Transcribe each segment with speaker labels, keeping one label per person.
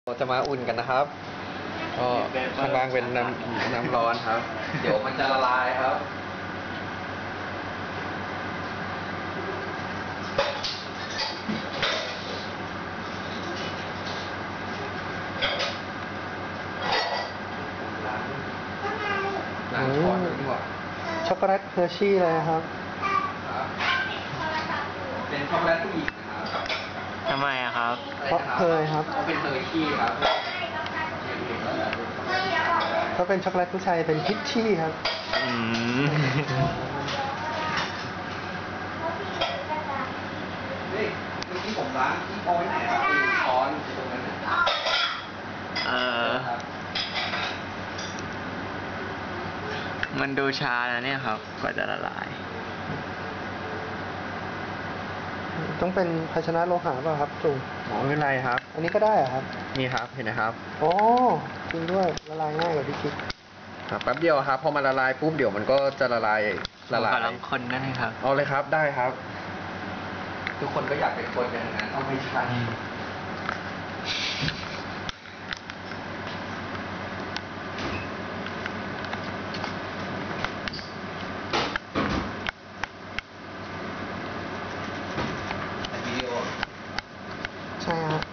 Speaker 1: เราจะมาอุ่นกันนะครับก็ข้างล่างเป็นน้ำร้อนครับ เดี๋ยวมันจะละลายครับล้างช้อนดีกว่า
Speaker 2: ช็อกโกแลตเฮอร์ชี่เลยนะครับ
Speaker 1: เป็นช็อกโกแลตผู้หญิงนะครับ
Speaker 3: ทำไมอะครับ
Speaker 2: เพราะเคยครับ
Speaker 1: เขาเป็นเฮอร์ชี่ครับ
Speaker 2: ถ้าเป็นช็อกโกแลตผู้ชายเป็นพิชชี่ครับ
Speaker 1: นี่เมื่อกี้ผมล้างที่เอาไว้ไหนครับคือช้อนตรงนั้น
Speaker 3: มันดูช้านะเนี่ยครับกว่าจะละลาย
Speaker 2: ต้องเป็นภาชนะโลหะเปล่าครับจุ่ม
Speaker 1: ไม่เป็นไรครับ
Speaker 2: อันนี้ก็ได้เหรอครับ
Speaker 1: นี่ครับเห็นนะครับ
Speaker 2: โอ้จริงด้วยละลายง่ายกว่าที่คิด
Speaker 1: ครับแป๊บเดียวครับพอมันละลายปุ๊บเดี๋ยวมันก็จะละลาย
Speaker 3: ขอลองคนได้ไหมครับ
Speaker 1: เอาเลยครับได้ครับทุกคนก็อยากเป็นคนอย่างนั้นเอาไม่ใช่
Speaker 2: ใช่ฮะ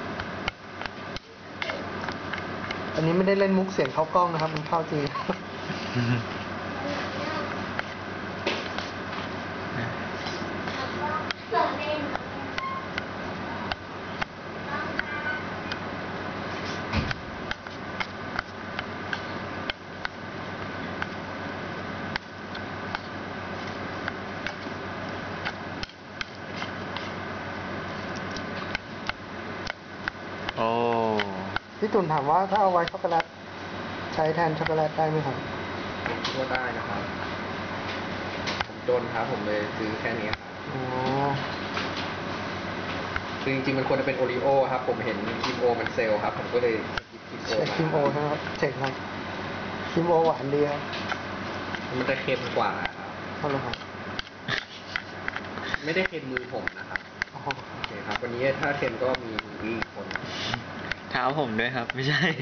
Speaker 2: อันนี้ไม่ได้เล่นมุกเสียงเข้ากล้องนะครับมันเข้าจริงพี่ตุ่นถามว่าถ้าเอาไว้ช็อกโกแลตใช้แทนช็อกโกแลตได้ไหมครับ
Speaker 1: ก็ได้นะครับผมจนครับผมเลยซื้อแค่นี้ครับคือจริงๆมันควรจะเป็นโอรีโอครับผมเห็นคิมโอมันเซลครับผมก็เลย
Speaker 2: ใช้คิมโอใช่ไหมครับเจ๋งครับคิมโอหวานดีครับ
Speaker 1: มันจะเค็มกว่าครับ
Speaker 2: เอาเลยครับ
Speaker 1: ไม่ได้เค็มมือผมนะครับโอเคครับวันนี้ถ้าเค็มก็มีอีกคน
Speaker 3: เท้าผมด้วยครับไม่ใช่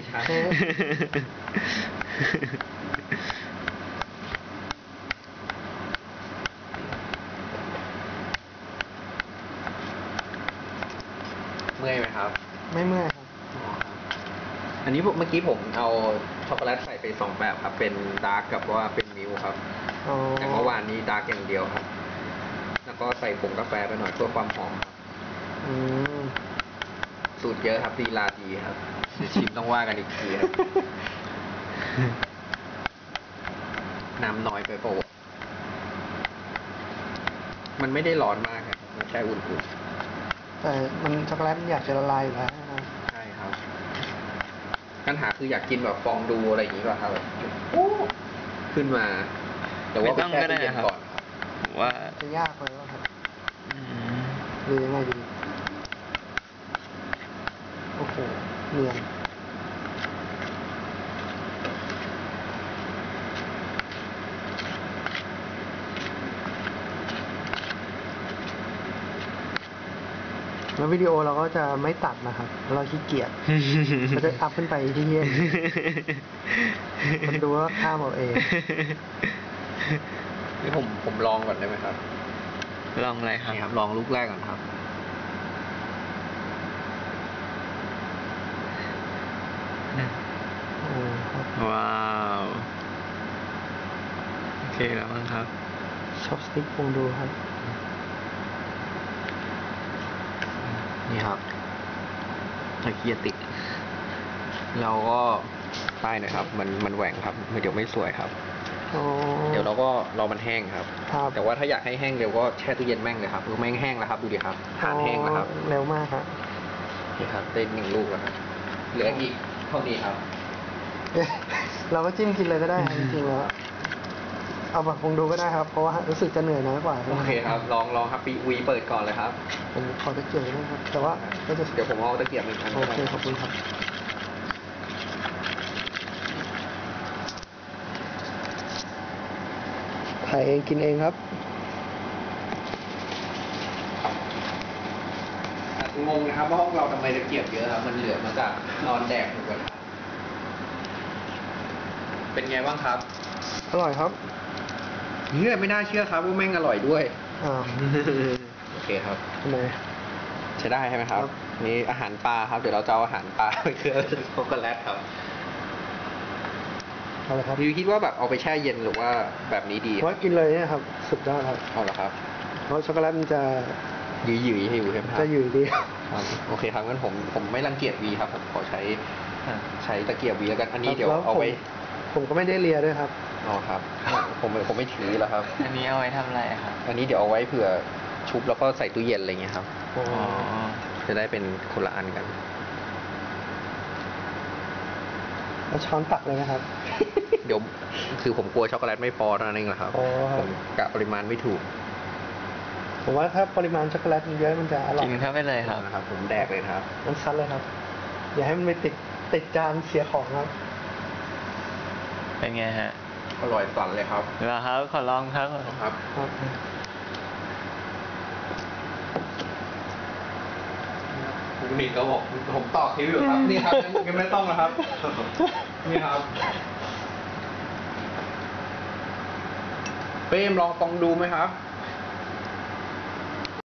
Speaker 1: เมื่อยไหมครับ
Speaker 2: ไม่เมื่อยครับ
Speaker 1: อันนี้เมื่อกี้ผมเอาช็อกโกแลตใส่ไป2แบบครับเป็นดาร์กกับว่าเป็นมิลครับแต่เมื่อวานนี้ดาร์กอย่างเดียวครับแล้วก็ใส่ผงกาแฟไปหน่อยเพื่อความหอมครับสูตรเยอะครับลีลาดีครับชิมต้องว่ากันอีกทีครับน้ำน้อยไปเปล่ามันไม่ได้ร้อนมากครับมันแค่อุ่น
Speaker 2: ๆแต่มันช็อกโกแลตอยากจะละลายอยู่แล้ว
Speaker 1: ใช่ครับปัญหาคืออยากกินแบบฟองดูอะไรอย่างนี้ก่อนครับแบบขึ้นมาแต่ว่าต้องก็ได้ครับ
Speaker 3: ว่า
Speaker 2: จะยากเลยว่าครับหรือยังไงดีโอ้โหเนียนแล้ววิดีโอเราก็จะไม่ตัดนะครับเราขี้เกียจเราจะอัพขึ้นไปที่เย็นมันดูว่าข้ามเอาเอง
Speaker 1: นี่ผมลองก่อนได้ไหมครับ
Speaker 3: ลองอะไรครับ
Speaker 1: ลองลูกแรกก่อนครับ
Speaker 3: ว้าวโอเคแล้วมั้งครับ
Speaker 2: ช็อปสติ๊กลองดูครับ
Speaker 1: นี่ครับตะเกียบติดเราก็ป้ายหน่อยครับมันแหว่งครับเดี๋ยวไม่สวยครับเดี๋ยวเราก็รอมันแห้งครับแต่ว่าถ้าอยากให้แห้งเร็วก็แช่ตู้เย็นแม่งเลยครับแม่งแห้งแล้วครับดูดิครับทานแห้งแล้วครับ
Speaker 2: เร็วมากครับ
Speaker 1: นี่ครับได้1 ลูกแล้วครับเหลืออีกเท่านี้ครับ
Speaker 2: เราก็จิ้มกินเลยก็ได้จริงๆแล้วเอาแบบคงดูก็ได้ครับเพราะว่ารู้สึกจะเหนื่อยน้อยกว่า
Speaker 1: โอเคครับลองครับวีเปิดก่อนเลยครับ
Speaker 2: ผมขอตะเกียบนะครับแต่ว่า
Speaker 1: เดี๋ยวผมเอาตะเกียบ1 อัน
Speaker 2: โอเคขอบคุณครับถ่ายเองกินเองครับ
Speaker 1: งงนะครับว่าห้องเราทำไมตะเกียบเยอะครับมันเหลือมาจากนอนแดกหมูกระทะเป็นไงบ้างครับ
Speaker 2: อร่อยครับ
Speaker 1: เนี่ยไม่น่าเชื่อครับว่าแม่งอร่อยด้วย
Speaker 2: อ้าว
Speaker 1: โอเคครับ
Speaker 2: ทำไม
Speaker 1: ใช้ได้ใช่ไหมครับ
Speaker 2: ครับ
Speaker 1: นี่อาหารปลาครับเดี๋ยวเราจะเอาอาหารปลาไปเคลือบช็อกโกแลตครับ
Speaker 2: เอาเลยครับ
Speaker 1: พี่คิดว่าแบบเอาไปแช่เย็นหรือว่าแบบนี้ดี
Speaker 2: เพราะกินเลยเนี่ยครับ สุดยอดครับ
Speaker 1: เอาละครับ
Speaker 2: เพราะช็อกโกแลตมันจะ
Speaker 1: หยืยๆให้อยู่ใช่ไหมครับ
Speaker 2: จะอยู่ดี
Speaker 1: ครับโอเคครับงั้นผมไม่รังเกียจวีครับผมขอใช้ตะเกียบวีแล้วกันอันนี้เดี๋ยว
Speaker 2: แล้ว
Speaker 1: เอาไว้
Speaker 2: ผมก็ไม่ได้เลียด้วยครับ
Speaker 1: อ๋อครับผมไม่ถือแล้วครับ
Speaker 3: อันนี้เอาไว้ทำอะไรครับ
Speaker 1: อันนี้เดี๋ยวเอาไว้เผื่อชุบแล้วก็ใส่ตู้เย็นอะไรเงี้ยครับ
Speaker 3: อ๋อ
Speaker 1: จะได้เป็นคนละอันกัน
Speaker 2: แล้วช้อนตักเลยนะครับ
Speaker 1: เดี๋ยวคือผมกลัวช็อกโกแลตไม่พอเท่านั้นเองแหละครับ
Speaker 2: อ๋อครับ
Speaker 1: ผมกะปริมาณไม่ถูก
Speaker 2: ผมว่าถ้าปริมาณช็อกโกแลตมันเยอะมันจะอร่อย
Speaker 3: กินเข้าไปเลยครับ
Speaker 1: นะครับ ผมแดกเลยนะครับ
Speaker 2: มันซัดเลยครับ อย่าให้มันไปติดจานเสียของครับ
Speaker 3: เป็นไงฮะ
Speaker 1: อร่อยสั่นเลยครับ
Speaker 3: เหรอครับขอลองครับ
Speaker 1: ครับ
Speaker 2: ครับ
Speaker 1: คุณนิดก็บอกผมต่อคิวอยู่ครับ นี่ครับยังไม่ต้องนะครับ นี่ครับเป้มลองฟองดูไหมครับ